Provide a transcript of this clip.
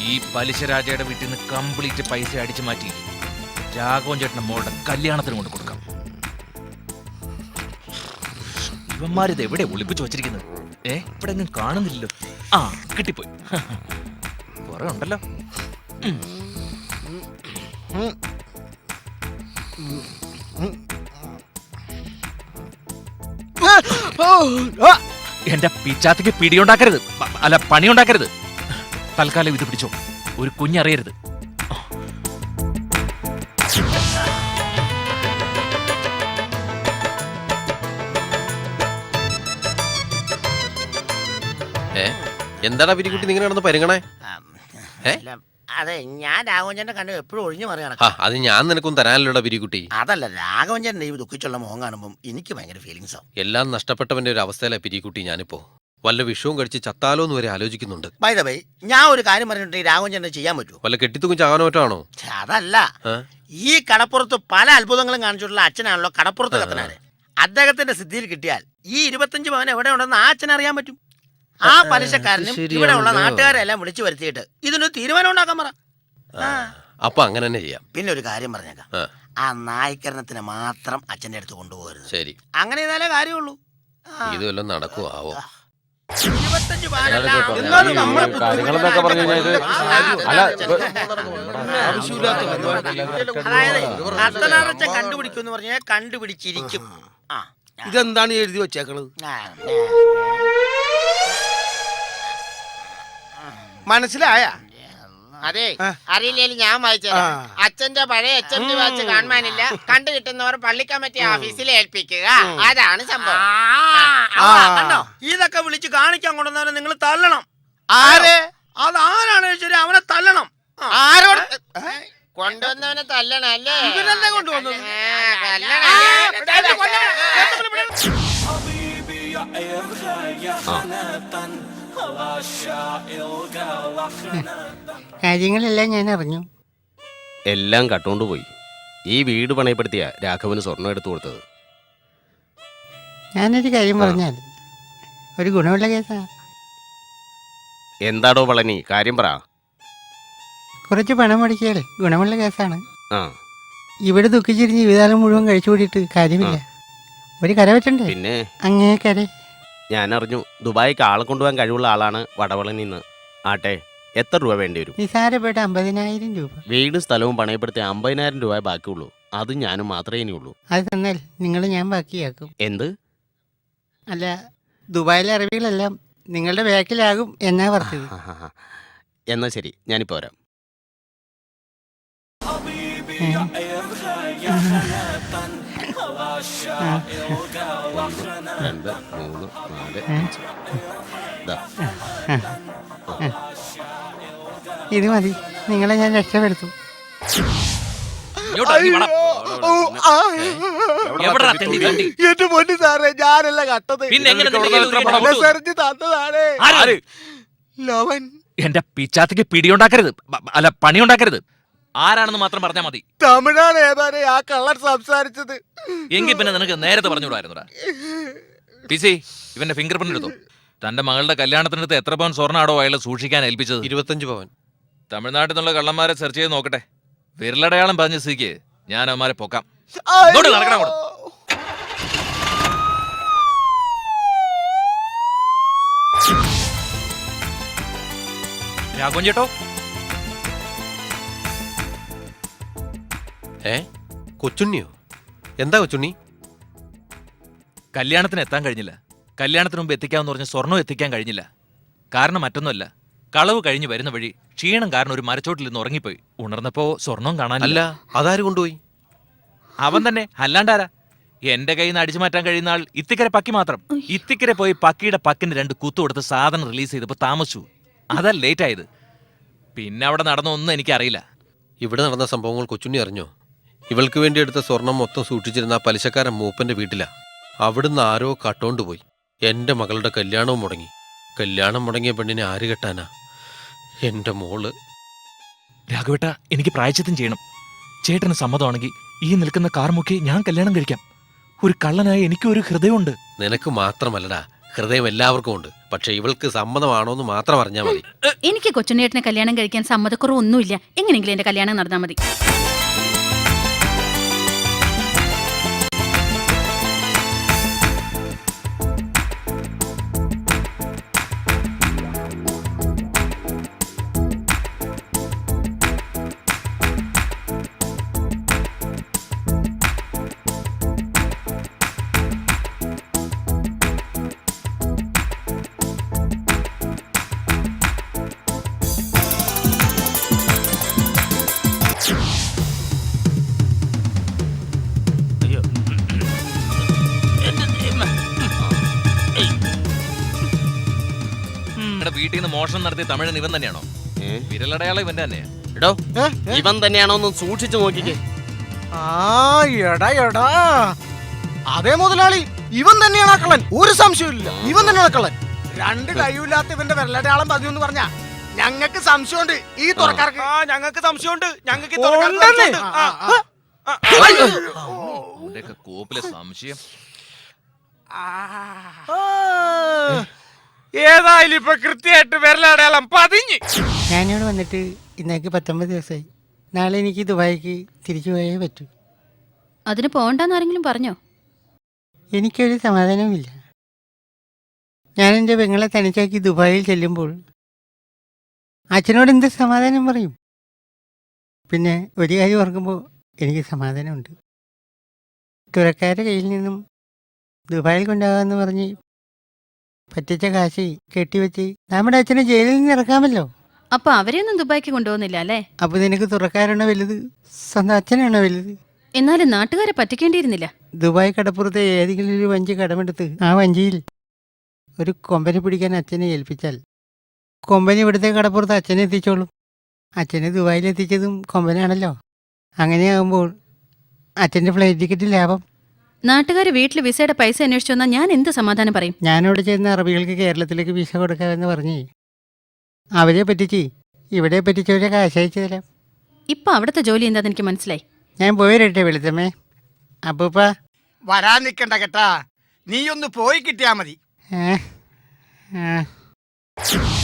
ഈ പലിശരാജയുടെ വീട്ടിൽ നിന്ന് കംപ്ലീറ്റ് പൈസ അടിച്ചു മാറ്റി രാഘവൻ ചേട്ടന്റെ മോളുടെ കല്യാണത്തിന് കൊണ്ട് കൊടുക്കാം. ഇവന്മാരിത് എവിടെ ഒളിപ്പിച്ചു വച്ചിരിക്കുന്നത്? ഇവിടെ എങ്ങും കാണുന്നില്ലല്ലോ. ആ, കിട്ടിപ്പോയി. കുറെ ഉണ്ടല്ലോ. എന്റെ പിച്ചാത്തിക്ക് പിടിയുണ്ടാക്കരുത്, അല്ല പണിയുണ്ടാക്കരുത്. തൽക്കാലം ഇത് പിടിച്ചോ, ഒരു കുഞ്ഞറിയരുത്. എന്താടാ പിരിക്കുട്ടി നിങ്ങൾ നടന്ന് പരിഗണേ? അതെ, ഞാൻ രാഘവഞ്ചന്റെ കണ്ടു എപ്പോഴും ഒഴിഞ്ഞു പറയണം. അത് ഞാൻ നിനക്കും തരാനല്ലോടാ പിരിക്കുട്ടി. അതല്ല, രാഘവഞ്ചന്റെ ഈ ദുഃഖിച്ചുള്ള മുഖം കാണുമ്പോൾ എനിക്ക് ഭയങ്കര ഫീലിങ്സ് ആവും. എല്ലാം നഷ്ടപ്പെട്ടവന്റെ ഒരു അവസ്ഥയിലെ പിരിക്കുട്ടി ഞാനിപ്പോ. വല്ല വിഷവും കഴിച്ച് ചത്താലോ എന്ന് വരെ ആലോചിക്കുന്നുണ്ട്. ബൈ ദ വേ, ഞാൻ ഒരു കാര്യം പറഞ്ഞിട്ടുണ്ടെങ്കിൽ രാഘവഞ്ചന്റെ ചെയ്യാൻ പറ്റുമോ? വല്ല കെട്ടിത്തൂക്കും ചാകാനോ മറ്റാണോ? അതല്ല, ഈ കടപ്പുറത്ത് പല അത്ഭുതങ്ങളും കാണിച്ചിട്ടുള്ള അച്ഛനാണല്ലോ കടപ്പുറത്ത് കത്തനാര്. അദ്ദേഹത്തിന്റെ സിദ്ധിയിൽ കിട്ടിയാൽ ഈ 25 പവൻ എവിടെ ഉണ്ടെന്ന് ആ അച്ഛൻ അറിയാൻ പറ്റും. ആ പലിശക്കാരനും ഇവിടെ ഉള്ള നാട്ടുകാരെല്ലാം വിളിച്ചു വരുത്തിയിട്ട് ഇതിനൊരു തീരുമാനം ഉണ്ടാക്കാൻ പറ. അപ്പൊ അങ്ങനെ തന്നെ ചെയ്യാം. പിന്നെ ഒരു കാര്യം പറഞ്ഞേക്കാം, ആ നായ്ക്കരണത്തിന് മാത്രം അച്ഛന്റെ അടുത്ത് കൊണ്ടുപോകരുത്. ശരി, അങ്ങനെ ചെയ്താലേ കാര്യമുള്ളൂ. ഇത് വല്ലതും നടക്കുവോ ആവോ? 25 അതായത് കണ്ടുപിടിക്കും പറഞ്ഞാൽ കണ്ടുപിടിച്ചിരിക്കും. ഇതെന്താണ് എഴുതി വെച്ചേക്കണത്? മനസ്സിലായ? അതെ, അറിയില്ലേലും ഞാൻ വായിച്ചത്. അച്ഛന്റെ പഴയ HMD വാച്ച് കാണാനില്ല, കണ്ടു കിട്ടുന്നവർ പള്ളി കമ്മിറ്റി ഓഫീസിൽ ഏൽപ്പിക്കുക. അതാണ് സംഭവം. കണ്ടോ, ഇതൊക്കെ വിളിച്ച് കാണിക്കാൻ കൊണ്ടുവന്നവരെ നിങ്ങൾ തള്ളണം. ആരെ? അതാരാണ് ശരി, അവനെ തള്ളണം. ആരോട് കൊണ്ടുവന്നവനെ തല്ലണം അല്ലേ? ഇവനെന്താ കൊണ്ടുവന്നത്? കാര്യങ്ങളെല്ലാം ഞാൻ അറിഞ്ഞു. എല്ലാം കട്ടുകൊണ്ടുപോയി. ഈ വീട് പണയപ്പെടുത്തിയ രാഘവന് സ്വർണം എടുത്തു കൊടുത്തത്. ഞാനൊരു കാര്യം പറഞ്ഞാൽ ഒരു ഗുണമുള്ള കേസാ. എന്താടോ പളനി, കാര്യം പറ. കുറച്ച് പണം മുടക്കിയാൽ ഗുണമുള്ള കേസാണ്. ആ, ഇവിടെ ദുഃഖിച്ചിരുന്ന് ജീവിതകാലം മുഴുവൻ കഴിച്ചു കൂടിയിട്ട് കാര്യമില്ല. ഒരു കര വെച്ചണ്ടേ? പിന്നെ അങ്ങേ കര. ഞാൻ അറിഞ്ഞു ദുബായിക്ക് ആളെ കൊണ്ടുപോകാൻ കഴിവുള്ള ആളാണ് വടവളനിന്ന്. ആട്ടെ, എത്ര രൂപ വേണ്ടി വരും? നിസാരപ്പെട്ട 50,000 രൂപ. വീടും സ്ഥലവും പണയപ്പെടുത്തി 50,000 രൂപ ബാക്കിയുള്ളൂ. അത് ഞാനും മാത്രമേ ഇനിയുള്ളൂ. അത് തന്നാൽ നിങ്ങൾ ഞാൻ ബാക്കിയാക്കും. എന്ത്? അല്ല, ദുബായിലെ അറിവികളെല്ലാം നിങ്ങളുടെ ബാക്കിലാകും എന്നാ പറഞ്ഞത്. എന്നാ ശരി, ഞാനിപ്പോ വരാം. രണ്ട്, മൂന്ന്, നാല്, അഞ്ച്. ഇത് മതി, നിങ്ങളെ ഞാൻ രക്ഷപ്പെടുത്തും. എന്റെ പൊന്നു സാറേ, ഞാനല്ല കട്ടത്. തന്നതാണ് ലവൻ. എന്റെ പിച്ചാത്തിക്ക് പിടിയുണ്ടാക്കരുത്, അല്ല പണിയുണ്ടാക്കരുത്. ആരാണെന്ന് മാത്രം പറഞ്ഞാൽ മതി. തമിഴാണ് ഏതാനേ ആ കള്ളൻ സംസാരിച്ചത്. എങ്കിൽ പിന്നെ നിനക്ക് നേരത്തെ പറഞ്ഞുകൂടായിരുന്നുടാ. പിസി, ഇവന്റെ ഫിംഗർ പ്രിന്റ് എടുത്തോ. തന്റെ മകളുടെ കല്യാണത്തിനടുത്ത് എത്ര പവൻ സ്വർണ്ണാടോ അയാളെ സൂക്ഷിക്കാൻ ഏൽപ്പിച്ചത്? 25 പവൻ. തമിഴ്നാട്ടിൽ നിന്നുള്ള കള്ളന്മാരെ സെർച്ച് ചെയ്ത് നോക്കട്ടെ. വിരലടയാളം പറഞ്ഞ സ്ഥിതിക്ക് ഞാൻ അവന്മാരെ പൊക്കാം. രാഘവൻ ചേട്ടോ, കൊച്ചുണ്ണിയോ? എന്താ കൊച്ചുണ്ണി? കല്യാണത്തിന് എത്താൻ കഴിഞ്ഞില്ല. കല്യാണത്തിന് മുമ്പ് എത്തിക്കാമെന്ന് പറഞ്ഞ സ്വർണ്ണം എത്തിക്കാൻ കഴിഞ്ഞില്ല. കാരണം മറ്റൊന്നുമല്ല, കളവ് കഴിഞ്ഞ് വരുന്ന വഴി ക്ഷീണം കാരണം ഒരു മരച്ചോട്ടിൽ നിന്ന് ഉറങ്ങിപ്പോയി. ഉണർന്നപ്പോ സ്വർണം കാണാനില്ല. അതാര് കൊണ്ടുപോയി? അവൻ തന്നെ, അല്ലാണ്ടാരാ. എന്റെ കയ്യിൽ നിന്ന് അടിച്ചു മാറ്റാൻ കഴിയുന്ന ആൾ ഇത്തിക്കര പക്കി മാത്രം. ഇത്തിക്കര പോയി പക്കിയുടെ പക്കിന് 2 കുത്തു കൊടുത്ത് സാധനം റിലീസ് ചെയ്തപ്പോ താമസിച്ചു. അതാ ലേറ്റ് ആയത്. പിന്നെ അവിടെ നടന്നൊന്നും എനിക്കറിയില്ല. ഇവിടെ നടന്ന സംഭവങ്ങൾ കൊച്ചുണ്ണി അറിഞ്ഞോ? ഇവൾക്ക് വേണ്ടി എടുത്ത സ്വർണം മൊത്തം സൂക്ഷിച്ചിരുന്ന ആ പലിശക്കാരൻ മൂപ്പന്റെ വീട്ടിലാ. അവിടുന്ന് ആരോ കട്ടോണ്ടുപോയി. എന്റെ മകളുടെ കല്യാണവും മുടങ്ങി. കല്യാണം മുടങ്ങിയ പെണ്ണിനെ ആര് കെട്ടാനാ? എന്റെ മോള്. രാഘവേട്ട, എനിക്ക് പ്രായശ്ചിത്തം ചെയ്യണം. ചേട്ടന് സമ്മതമാണെങ്കിൽ ഈ നിൽക്കുന്ന കാർ മുക്കി ഞാൻ കല്യാണം കഴിക്കാം. ഒരു കള്ളനായ എനിക്കൊരു ഹൃദയമുണ്ട്. നിനക്ക് മാത്രമല്ലടാ, ഹൃദയം എല്ലാവർക്കും ഉണ്ട്. പക്ഷെ ഇവൾക്ക് സമ്മതമാണോ എന്ന് മാത്രം അറിഞ്ഞാൽ മതി. എനിക്ക് കൊച്ചുണ്ണേട്ടനെ കല്യാണം കഴിക്കാൻ സമ്മതക്കുറവൊന്നുമില്ല. എങ്ങനെയെങ്കിലും എന്റെ കല്യാണം നടന്നാൽ മതി. നിങ്ങളുടെ വീട്ടിൽ നിന്ന് മോഷണം നടത്തിയ തമിഴൻ ഇവൻ തന്നെയാണോ? വിരലടയാളം ഇവന്റെ തന്നെയാ. എടോ ഇവൻ തന്നെയാണോ ഒന്ന് സൂക്ഷിച്ചു നോക്കിക്കേ. ആ എടാ എടാ അതേ മുതലാളി, ഇവൻ തന്നെയാണ് ആ കള്ളൻ, ഒരു സംശയമില്ല. ഇവൻ തന്നെയാണ് കള്ളൻ. രണ്ട് കൈയില്ലാത്ത ഇവന്റെ വിരലടയാളം പതിവെന്ന് പറഞ്ഞ ഞങ്ങൾക്ക് സംശയമുണ്ട്. ഈ തുറക്കാർക്ക് ഞങ്ങൾക്ക് സംശയമുണ്ട്. ഞങ്ങൾക്ക് അവന്റെയൊക്കെ കോപ്പിലെ സംശയം. ഏതായാലും ഇപ്പൊ കൃത്യമായിട്ട് വിരലടയാളം പതിഞ്ഞ്. ഞാനിവിടെ വന്നിട്ട് ഇന്നേക്ക് 19 ദിവസമായി. നാളെ എനിക്ക് ദുബായിക്ക് തിരിച്ചു പോയേ പറ്റൂ. അതിന് പോകണ്ടെന്ന് ആരെങ്കിലും പറഞ്ഞോ? എനിക്കൊരു സമാധാനവുമില്ല. ഞാൻ എൻ്റെ പെങ്ങളെ തനിച്ചാക്കി ദുബായിൽ ചെല്ലുമ്പോൾ അച്ഛനോട് എന്ത് സമാധാനം പറയും? പിന്നെ ഒരു കാര്യം ഓർക്കുമ്പോൾ എനിക്ക് സമാധാനമുണ്ട്. തുറക്കാരുടെ കയ്യിൽ നിന്നും ദുബായിൽ കൊണ്ടുപോകാമെന്ന് പറഞ്ഞ് പറ്റിച്ച കാശ് കെട്ടിവെച്ച് നമ്മുടെ അച്ഛനെ ജയിലിൽ നിന്ന് ഇറക്കാമല്ലോ. അപ്പൊ അവരെയൊന്നും ദുബായിക്ക് കൊണ്ടുപോകുന്നില്ല അല്ലേ? അപ്പോൾ നിനക്ക് തുറക്കാരാണോ വലുത്, സ്വന്തം അച്ഛനാണോ വലുത്? എന്നാലും നാട്ടുകാരെ പറ്റിക്കേണ്ടിയിരുന്നില്ല. ദുബായ് കടപ്പുറത്തെ ഏതെങ്കിലും ഒരു വഞ്ചി കടമെടുത്ത് ആ വഞ്ചിയിൽ ഒരു കൊമ്പനെ പിടിക്കാൻ അച്ഛനെ ഏൽപ്പിച്ചാൽ കൊമ്പനി ഇവിടുത്തെ കടപ്പുറത്ത് അച്ഛനെ എത്തിച്ചോളും. അച്ഛനെ ദുബായിൽ എത്തിച്ചതും കൊമ്പനാണല്ലോ. അങ്ങനെയാകുമ്പോൾ അച്ഛൻ്റെ ഫ്ലൈറ്റ് ടിക്കറ്റ് ലാഭം. നാട്ടുകാർ വീട്ടിൽ വിസയുടെ പൈസ അന്വേഷിച്ചു വന്നാൽ ഞാൻ എന്ത് സമാധാനം പറയും? ഞാനവിടെ ചെന്ന അറബികൾക്ക് കേരളത്തിലേക്ക് വിസ കൊടുക്കാമെന്ന് പറഞ്ഞ് അവരെ പറ്റിച്ച് ഇവിടെ പറ്റിച്ചവരെ കാശയച്ചു തരാം. ഇപ്പൊ അവിടുത്തെ ജോലി എന്താന്ന് എനിക്ക് മനസ്സിലായി. ഞാൻ പോയിരട്ടെ വെളുത്തമ്മേ. അപ്പൂപ്പ വരാൻ നിക്കണ്ട കേട്ടാ, നീ ഒന്ന് പോയി കിട്ടിയാ മതി. ഏ